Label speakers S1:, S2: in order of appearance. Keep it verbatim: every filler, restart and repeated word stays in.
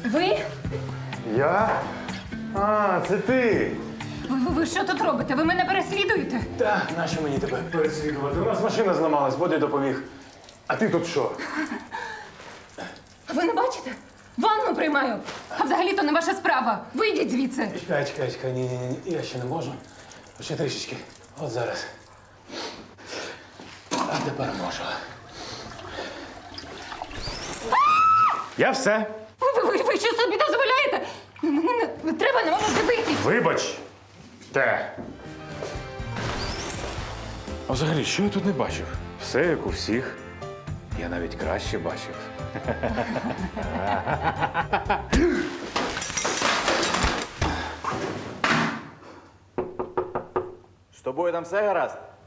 S1: Ви?
S2: Я? А, це ти.
S1: Ви, ви, ви що тут робите? Ви мене переслідуєте?
S2: Так, нащо мені тебе переслідувати? У нас машина зламалась, Боді допоміг. А ти тут що?
S1: Ви не бачите? Ванну приймаю. А взагалі-то не ваша справа. Вийдіть звідси.
S2: Чекай, чекай, чекай, ні, ні, ні, я ще не можу. Ще трішечки. От зараз. А тепер можу. Я все.
S1: Ви, ви, ви, ви що собі дозволяєте? Не, не, не, не треба на мене дивитись.
S2: Вибач. Те. А взагалі, що я тут не бачив? Все як у всіх. Я навіть краще бачив.
S3: З тобою там все гаразд?